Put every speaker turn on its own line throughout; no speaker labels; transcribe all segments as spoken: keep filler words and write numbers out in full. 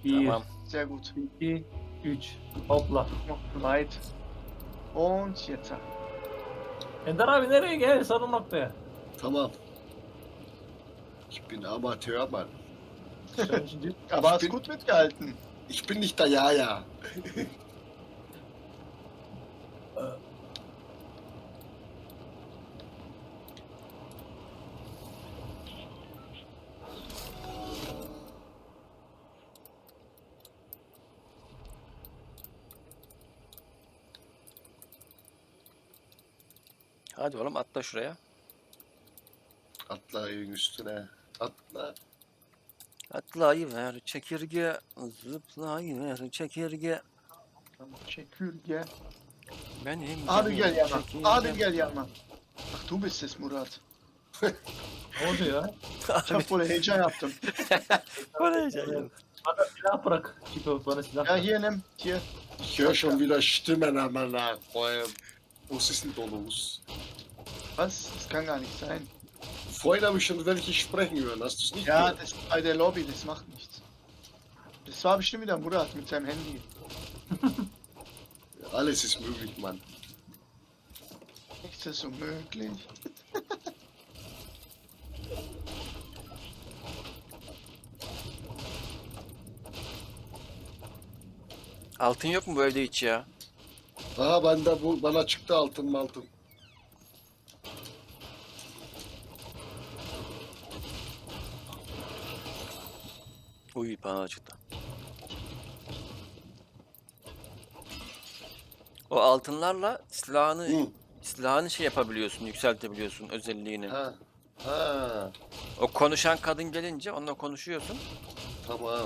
Bir,
Tamam.
Sehr gut.
iki, üç. Hopla.
Noch weit. Und jetzt.
Ender abi nereye gel? Sarı noktaya.
Tamam. Ich bin Amateur, Mann.
Sen şimdi
Aber hast
bin-
gut mitgehalten.
Ich bin nicht der Jaja.
Hadi oğlum atla şuraya.
Atla evin üstüne. Atla.
Atlayıver çekirge, zıplayıver çekirge.
Çekirge.
Benim
Abi gel yanıma.
çekirge.
Abi gel yanıma. Ach du bist es Murat.
ne oldu ya?
Çok böyle heyecan yaptım.
Oraya gel.
Bana silah bırak. Çipo bana silah
Ja
bırak.
hier nimm. Hier.
Ich höre schon wieder Stimmen an meiner Räume. Was ist denn da los?
Was? Das kann gar nicht sein.
Vorhin habe ich schon welche sprechen hören. Hast du es nicht
Ja,
gehört?
das ist bei der Lobby, das macht nichts. Das war bestimmt wieder Murat mit seinem Handy.
Alles ist möglich, Mann.
Nichts ist unmöglich.
Altın yok mu bu evde hiç ya?
Aha ben de bu bana çıktı altın mı altın.
Uy bana çıktı. O altınlarla silahını
Hı.
silahını şey yapabiliyorsun, yükseltebiliyorsun özelliğini.
Ha. Ha.
O konuşan kadın gelince onunla konuşuyorsun.
Tamam.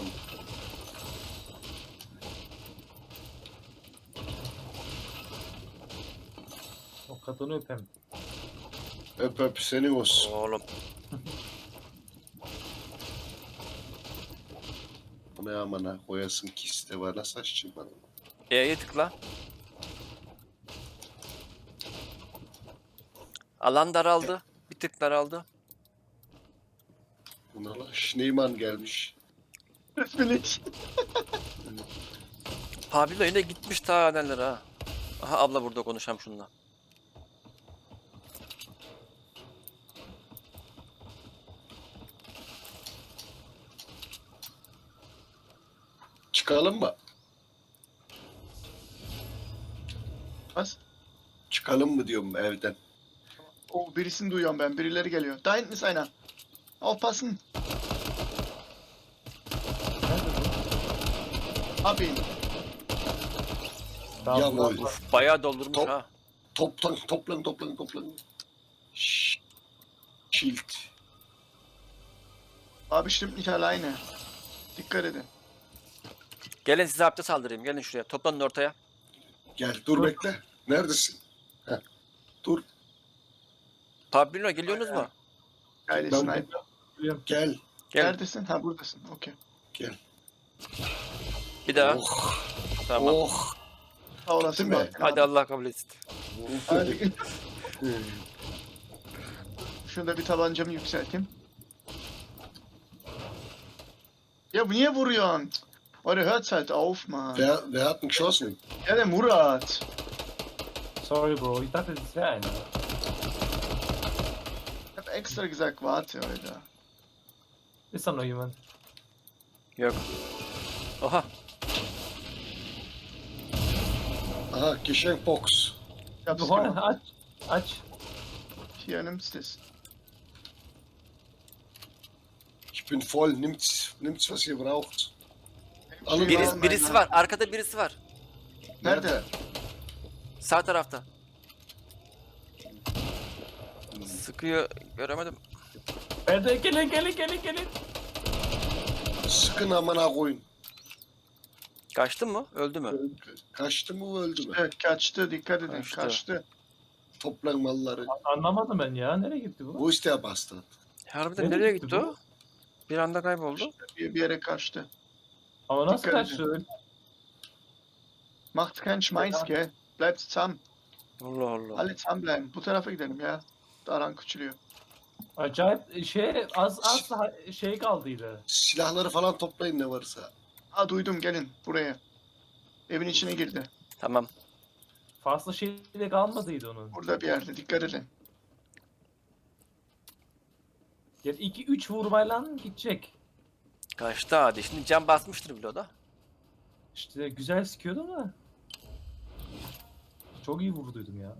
O kadını öpem.
Öp öp seni olsun.
Oğlum
Bu ne amına koyasın ki iste bana saççı bana.
E'ye tıkla. Alan daraldı. Bir tık daraldı.
Buna la Schneemann gelmiş.
Das bin ich.
Pablo yine gitmiş ta neler ha. Aha abla burada konuşam şununla.
Çıkalım mı?
Was?
Çıkalım mı diyorum evden.
Oh, birisini duyuyorum ben. Birileri geliyor. Da hinten ist einer. Aufpassen.
Nerede bu?
Hab ihn.
Tamam,
Jawohl.
bırak.
Bayağı doldurmuş
Top.
ha.
Toplan toplan toplan toplan. Şşş. Schild.
War bestimmt nicht alleine. Dikkat edin.
Gelin size hapte saldırayım. Gelin şuraya. Toplanın ortaya.
Gel dur bekle. Neredesin? Heh. Dur
Pablo geliyorsunuz mu?
Geile
Ben-
Sniper.
Biliyorum.
gel.
Gel.
Neredesin? Ha buradasın. Okey.
Gel.
Bir daha.
Oh.
Tamam.
Oh.
Sağ olasın.
Değil mi?
Bahattin
Hadi
abi.
Allah kabul etsin.
Hadi. Şurada bir tabancamı yükselteyim. Ya niye vuruyorsun? Oder hört's halt auf, Mann.
Wer, wer hat ihn geschossen?
Ja, der Murat.
Sorry bro. Ich dachte, das wäre einer.
Ich hab extra gesagt, warte, Alter.
Ist da noch jemand?
Yok. Oha.
Aha Geschenkbox.
Ich hab's
Oha,
gemacht.
aç. Aç.
Hier, nimmst es.
Ich bin voll. Nimmt's, nimmt's was ihr braucht. Alın.
Birisi, birisi var. Arkada birisi var.
Nerede?
Sağ tarafta. Sıkıyor. Göremedim.
Nerede? Gelin gelin gelin gelin.
Sıkın amına koyun.
Kaçtı mı? Öldü mü?
Kaçtı mı öldü mü?
Evet, kaçtı. Dikkat edin.
Kaçtı.
Kaçtı.
Toplan malları.
Anlamadım ben ya. Nereye gitti bu?
Wo ist der Bastard?
Harbiden
Nereye
nereye
gitti
gitti o? Bir anda kayboldu.
Bir, bir yere kaçtı.
Ama nasıl
Dikkat
kaçtı öyle?
Macht keinen Schmeiß, gell? Bleibt zusammen.
Allah Allah.
Alle zusammenbleiben. Bu tarafa gidelim ya. Daran küçülüyor.
Acayip şey az az daha şey kaldıydı.
Silahları falan toplayın ne varsa.
Aa duydum, gelin buraya. Evin içine girdi.
Tamam.
Fazla şey de kalmadıydı onun.
Burada bir yerde, dikkat edin.
Yani iki üç vurmayla gidecek.
Kaçtı hadi. Şimdi cam basmıştır bile o da.
İşte güzel sıkıyordu ama. Çok iyi vurduydum ya.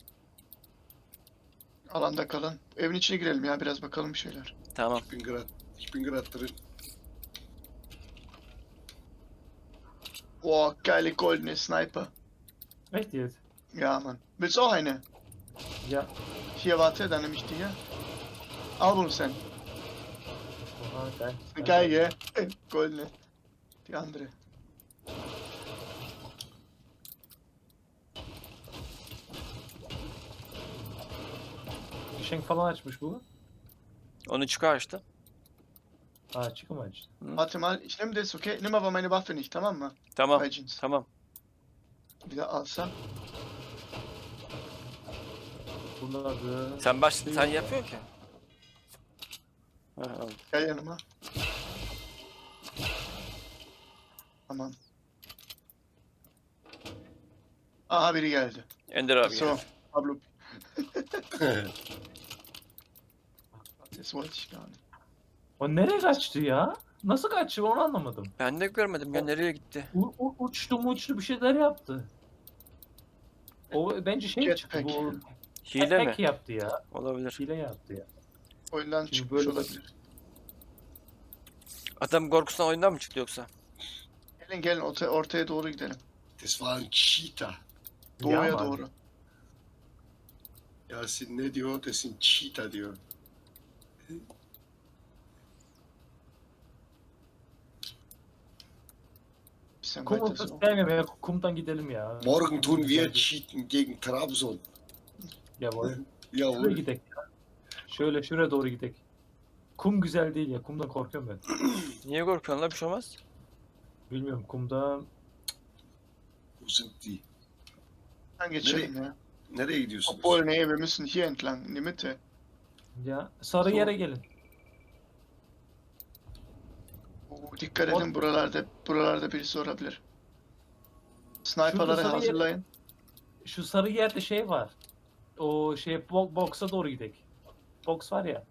Alanda kalın. Evin içine girelim ya, biraz bakalım bir şeyler.
Tamam.
Ich bin gerade, ich bin gerade drin.
Oh, geile goldene Sniper.
Echt jetzt?
Ja, Mann. Willst du auch eine?
Ya.
Hier, warte, dann nehme ich die hier. Al bunu sen.
Oha, geil.
Eine Geige. Goldene. Die andere.
Fişenk falan açmış bu.
Onu çıkar işte.
Ha çıkım açtı.
Warte mal, ich nehme das, okay? Nimm aber meine Waffe nicht, tamam mı?
Tamam.
Bei Jeans.
Tamam.
Bir de alsam.
Bunları...
Sen baş sen yapıyorsun ki. Ha, al.
Gel yanıma. Tamam. Aha biri geldi.
Ender abi.
So,
geldi.
Pablo. Das wollte ich gar nicht.
O nereye kaçtı ya? Nasıl kaçtı onu anlamadım.
Ben de görmedim ya nereye gitti.
U, u, uçtu mu uçtu bir şeyler yaptı. O bence şey çıktı
Jetpack.
bu.
Hile mi?
Hack yaptı ya.
Olabilir.
Hile yaptı ya.
Oyundan
Şimdi
çıkmış
böyle-
olabilir.
Adam korkusundan oyundan mı çıktı yoksa?
Gelin gelin orta, ortaya doğru gidelim.
Das war ein Cheater.
Doğuya
Ya man.
doğru.
Yasin ne diyor? Das sind Cheater diyor.
Bisschen
Kum
weiter
ortası
so.
sevmiyorum ya. Kumdan gidelim ya.
Morgen tun wir cheaten gegen Trabzon.
Ya bu. Şuraya
Jawohl.
gidek ya. Şöyle şuraya doğru gidek. Kum güzel değil ya. Kumdan korkuyorum ben.
Niye korkuyorsun lan bir şey olmaz.
Bilmiyorum kumda
Wo sind die?
Dann geçelim ya.
Nereye gidiyorsunuz?
Obwohl, nee, wir müssen hier entlang, in die Mitte.
ya sarı
So.
yere gelin.
Oo, dikkat
O-
edin, buralarda buralarda birisi olabilir. Sniper'ları
sarı yer-
hazırlayın.
Şu sarı yerde şey var. O şey bo- box'a doğru gidek. Box var ya.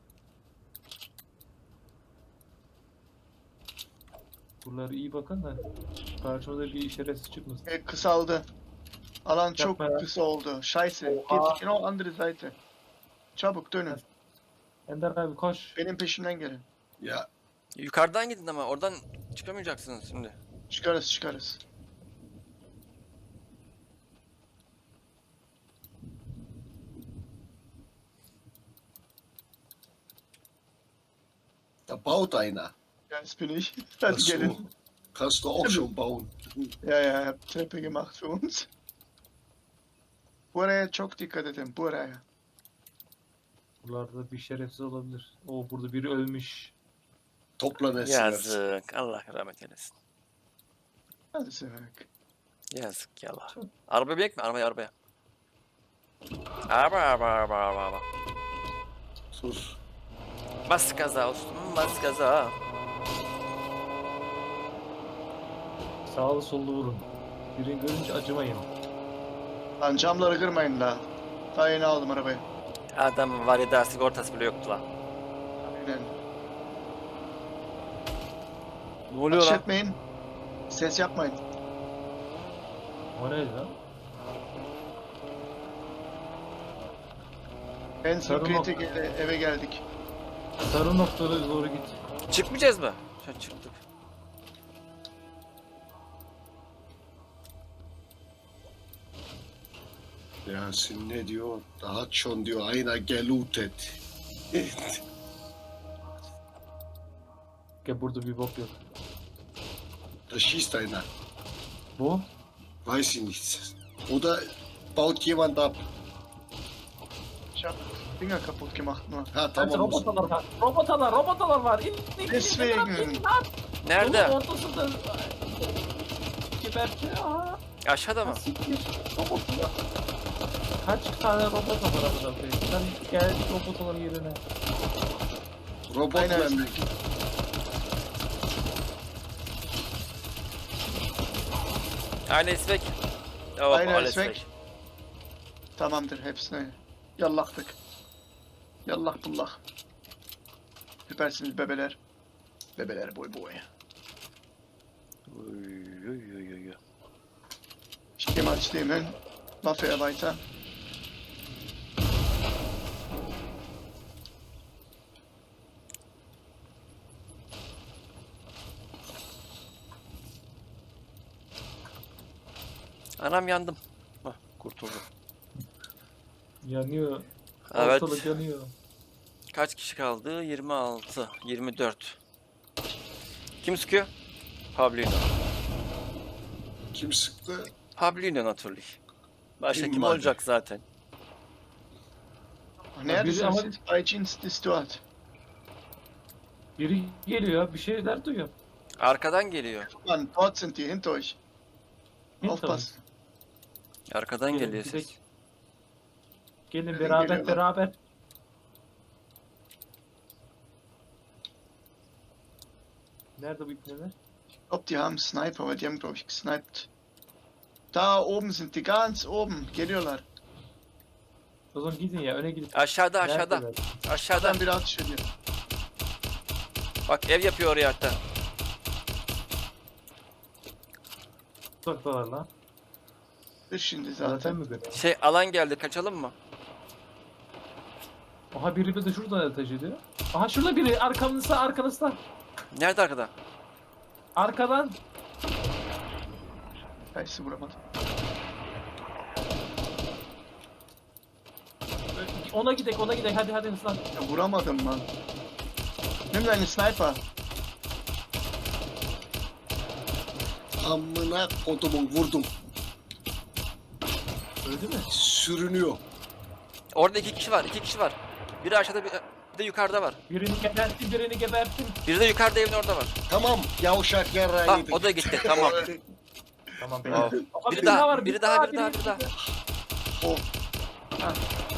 Buraları iyi bakın da karşımıza bir şerefsiz çıkmasın.
E, kısaldı. Alan çok
Yapma ya.
kısa oldu. Scheiße.
Oha.
Geht genau andere Seite. Çabuk dönün.
Ender abi koş.
Benim peşimden gelin.
Ja,
Yukarıdan gidin ama oradan çıkamayacaksınız şimdi.
Çıkarız çıkarız.
da baut einer.
Ja, das bin ich.
Ach
Hadi
so.
gelin.
Kannst du auch schon bauen.
Ja ja, hab Treppe gemacht für uns. Buraya çok dikkat edin. Buraya.
Buralarda bir şerefsiz olabilir. O burada biri ölmüş.
Toplan etsinler.
Yazık. Allah rahmet eylesin.
Hadi sevek.
Yazık ya Allah. Arabaya binek mi? Arabaya arabaya. Araba araba araba araba araba.
Sus.
Bas gaza olsun. Bas gaza.
Sağlı sollu vurun. Birini görünce acımayın.
Lan camları kırmayın la. Daha yeni aldım arabayı.
Adam var ya daha sigortası bile yoktu lan.
Aynen.
Ne oluyor
Ateş
lan?
etmeyin. Ses yapmayın.
O neydi lan?
En
Sarı
kritik eve, eve geldik.
Sarı noktaya doğru git.
Çıkmayacağız mı? Şu çıktık.
Yasin ne diyor? Da hat schon diyor einer gelootet.
Gel burada bir bok yok.
Da schießt einer.
Bu?
Weiß ich nicht. Oder baut jemand ab.
Ich hab Finger kaputt gemacht nur.
Ha
Evet,
tamam.
robotalar var. Robotalar, robotalar var. İn, in, in, in,
Deswegen.
in, in, lan.
Nerede?
Yolun ortasında. Geberti. Aa,
Aşağıda mı?
siktir. Robotlar. Kaç tane robot var burada? Sen gel robotaların yerine.
Robot
Aynen.
memleket.
Alles weg. Oh,
Einer
alles
ist weg.
weg.
Tamamdır hepsini. Yallaktık. Yallah bullah. Süpersiniz bebeler. Bebeler boy boy.
Uy, uy, uy, uy.
Ich geh mal zu dem hin. Waffe erweitern.
Anam yandım. Hah, kurtuldum.
Yanıyor.
Evet.
Ortalık yanıyor.
Kaç kişi kaldı? yirmi altı, yirmi dört. Kim sıkıyor? Pablino.
Kim sıktı?
Pablino natürlich. Başka
Kim
kim
vardı?
olacak zaten?
Neredesiniz
ama-
siz? Bei Jeans Distort.
Biri geliyor, bir şeyler duyuyor.
Arkadan geliyor.
Mann, dort sind die, hinter euch.
Hint
Aufpassen.
Arkadan
Gelin,
geliyor
gidelim.
ses.
Gelin
Gelin,
beraber
geliyorlar.
beraber. Nerede bu ipneler?
Ich glaube, die haben Sniper, weil die haben, glaube ich, gesniped. Da oben sind die, ganz oben. Geliyorlar.
O zaman gidin ya, öne gidin.
Aşağıda aşağıda.
Neredeler?
Aşağıda.
Dann biri atış ediyor.
Bak ev yapıyor oraya hatta.
Uzaktalar lan.
Dur şimdi
Zaten
zaten.
mi böyle?
Şey alan geldi kaçalım mı?
Aha biri bir de şuradan ateş ediyor. Aha şurada biri arkamızda arkanızda.
Nerede arkada?
Arkadan.
Scheiße, vuramadım.
Ona gidek ona gidek hadi hadi hızlan.
Ya vuramadım lan. Nimm deinen Sniper.
Amına kodumun vurdum.
Öldü mü?
Sürünüyor.
Orada iki kişi var, iki kişi var. Biri aşağıda, bir, bir de yukarıda var.
Birini geberttim birini geberttim.
Biri de yukarıda evin orada var.
Tamam yavşak yarrağı
Ah
yedik.
o da gitti, tamam.
Tamam
Oh.
Aha,
Biri daha, biri daha, biri daha, biri daha.
Oh.
Ha.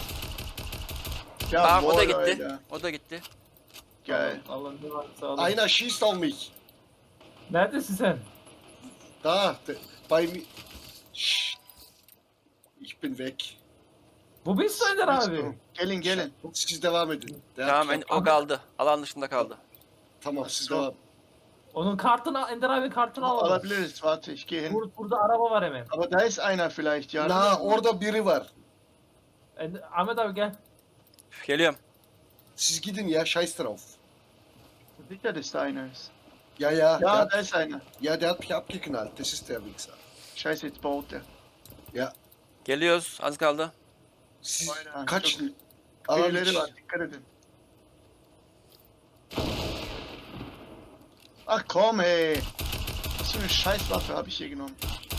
Ja,
Tamam o da gitti,
Alter.
o da gitti.
Geil.
Allah'ım ne varsa alın.
Einer schießt auf mich.
Neredesin sen?
Da, de, bei mir. Şşş. Ich bin weg.
Bu biz Önder abi.
Gelin gelin.
Siz devam edin. Der
Tamam
hat-
en- o kaldı, alan dışında kaldı.
Tamam siz devam.
Onun kartını Ender abi kartını alalım.
Alabiliriz. Warte, ich gehe hin.
Bur burada araba var hemen.
Aber da ist einer vielleicht, ja.
Na orada biri var.
Ender- Ahmet abi gel.
Geliyorum.
Siz gidin ya scheiß drauf.
Sicher, dass da einer ist.
Ja ja.
Ja,
der,
da ist einer.
ja der hat mich abgeknallt. Das ist der Wichser.
Scheiße, jetzt baut der.
Ja.
Geliyoruz, az kaldı.
Siz
Aynen,
kaçın. Alan
Birileri
iç-
var, dikkat edin. Ach komm, ey. Was für eine Scheißwaffe habe ich hier genommen?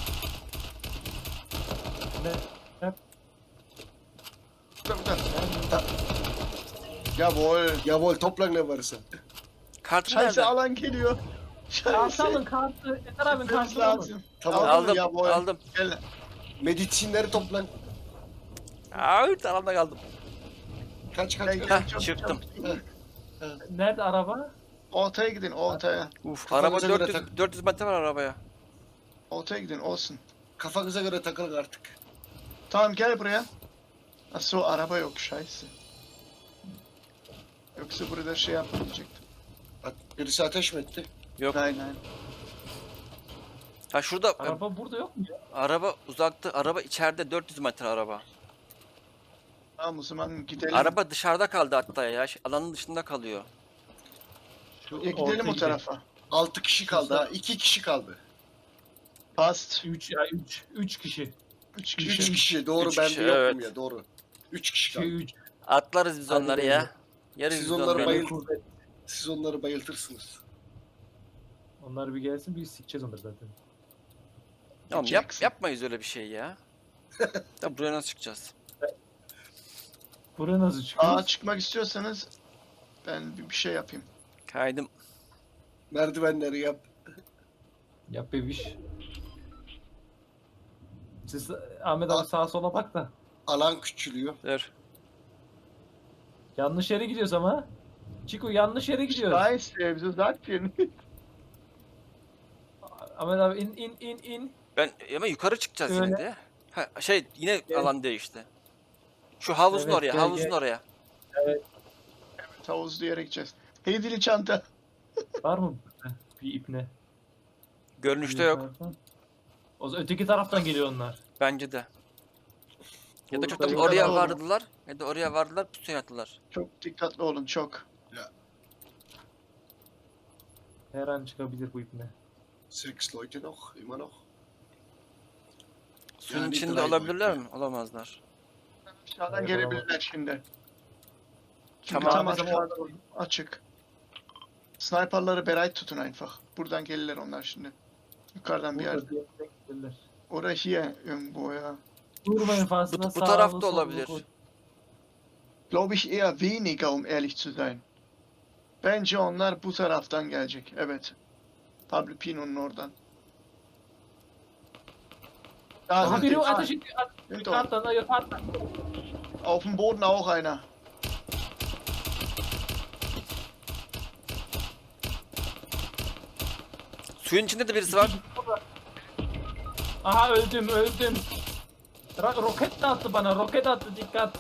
Ne? Ne?
Da, da. Jawohl.
Jawohl toplan ne varsa.
Kartı
Scheiße,
nerede?
alan geliyor.
Kartı alın
Scheiße.
kartı. Ender abi
Gitmemiz
kartını alın.
lazım.
Tamam.
Aldın mı?
Aldım,
Jawohl.
aldım.
Gel.
Medisinleri toplan.
Ağır alanda kaldım.
Kaç kaç.
Gel,
kaç.
gel,
Heh,
çabuk,
çıktım.
çabuk.
Nerede araba?
Ortaya gidin, ortaya.
Uf,
Kafanıza
araba
göre
dört yüz,
tak.
dört yüz metre var arabaya.
Ortaya gidin, olsun.
Kafanıza göre takılın artık.
Tamam gel buraya. Ach so, araba yok, scheiße. Yoksa burada şey yapmayacaktım.
Bak birisi ateş mi etti?
Yok.
Nein, nein.
Ha şurada
Araba burada yok mu ya?
araba uzakta, araba içeride dört yüz metre araba.
Tamam o zaman gidelim.
Araba dışarıda kaldı hatta ya. şey, Alanın dışında kalıyor.
Şu
Ya gidelim
ortaya
o tarafa.
Altı kişi kaldı ha. iki kişi kaldı.
Past.
Üç ya üç. Üç kişi.
Üç
Üç
kişi.
kişi. Doğru
Üç
ben
kişi,
de yokum
evet.
ya doğru. Üç kişi
İki
kaldı.
üç.
Atlarız biz
Hadi
onları
bakalım.
ya. Yeriz
Siz
biz
onları
onları.
bayıl-
Kuvvet.
Siz onları bayıltırsınız.
Onlar bir gelsin biz sikeceğiz onları zaten.
Oğlum yap,
Jackson.
yapmayız öyle bir şey ya. Ya buraya nasıl çıkacağız?
Buraya nasıl çıkıyoruz?
Aa çıkmak istiyorsanız ben bir bir şey yapayım.
Kaydım.
Merdivenleri yap.
Yap bebiş. Siz Ahmet abi sağa sola bak da.
Alan küçülüyor.
Dur.
Yanlış yere gidiyoruz ama. Çiko yanlış yere gidiyoruz.
Scheiße, wieso sagt ihr nicht?
Ahmet abi in in in in.
Ben ama yukarı çıkacağız
Öyle.
yine de. Ha, şey yine
Gel.
alan değişti. Şu havuzun
Evet,
oraya,
gel,
havuzun
gel.
oraya.
Havuz diyerek gideceğiz. Hedili çanta.
Var mı bir ipne?
Görünüşte yok.
O zaman öteki taraftan geliyor onlar.
Bence de. Ya da
Burada
çok da
yok.
oraya
Dikkatli olun.
vardılar. Ya da oraya vardılar, pusuya attılar.
Çok dikkatli olun çok.
Her an çıkabilir bu ipne.
Sechs Leute noch, immer noch.
Suyun
Yani
içinde
drei
olabilirler
Leute.
mi? Olamazlar.
Aşağıdan
Hayır,
gelebilirler şimdi. Çünkü
Tamam.
tam
Bizim
aşağıda açık. Sniperları bereit tutun einfach. Buradan gelirler onlar şimdi. Yukarıdan bir yer.
Burada bir yerden gelirler.
Orada hier irgendwo ya.
Durmayın fazla.
Bu, bu
sağlı,
tarafta
sollu
olabilir.
koy.
Glaube ich eher weniger um ehrlich zu sein. Bence onlar bu taraftan gelecek. Evet. Pablo Pino'nun oradan. Da
Aha
sind
biri
die.
ateş ediyor. At-
Sind dort.
Yukarıdan, yukarıdan.
Auf dem Boden auch einer.
Suyun içinde de birisi var.
Aha öldüm, öldüm. Ra- roket de attı bana, roket attı, dikkat.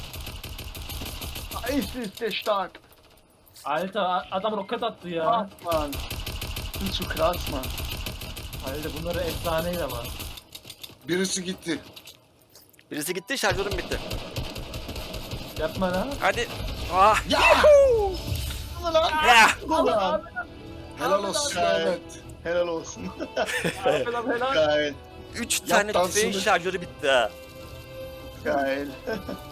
Eis ist der stark.
Alter, a- adam roket attı ya.
Krass, Mann. Sind zu krass, Mann.
Alter, bunları efsaneyle var.
Birisi gitti.
Birisi gitti, şarjörüm bitti.
Yapma lan.
Hadi. Ah.
Ulan!
Ya.
Ulan!
Helal olsun Ahmet.
Helal olsun.
Helal helal.
Geil.
Üç tane
dansını.
tüfeğin şarjörü bitti ha.
Geil.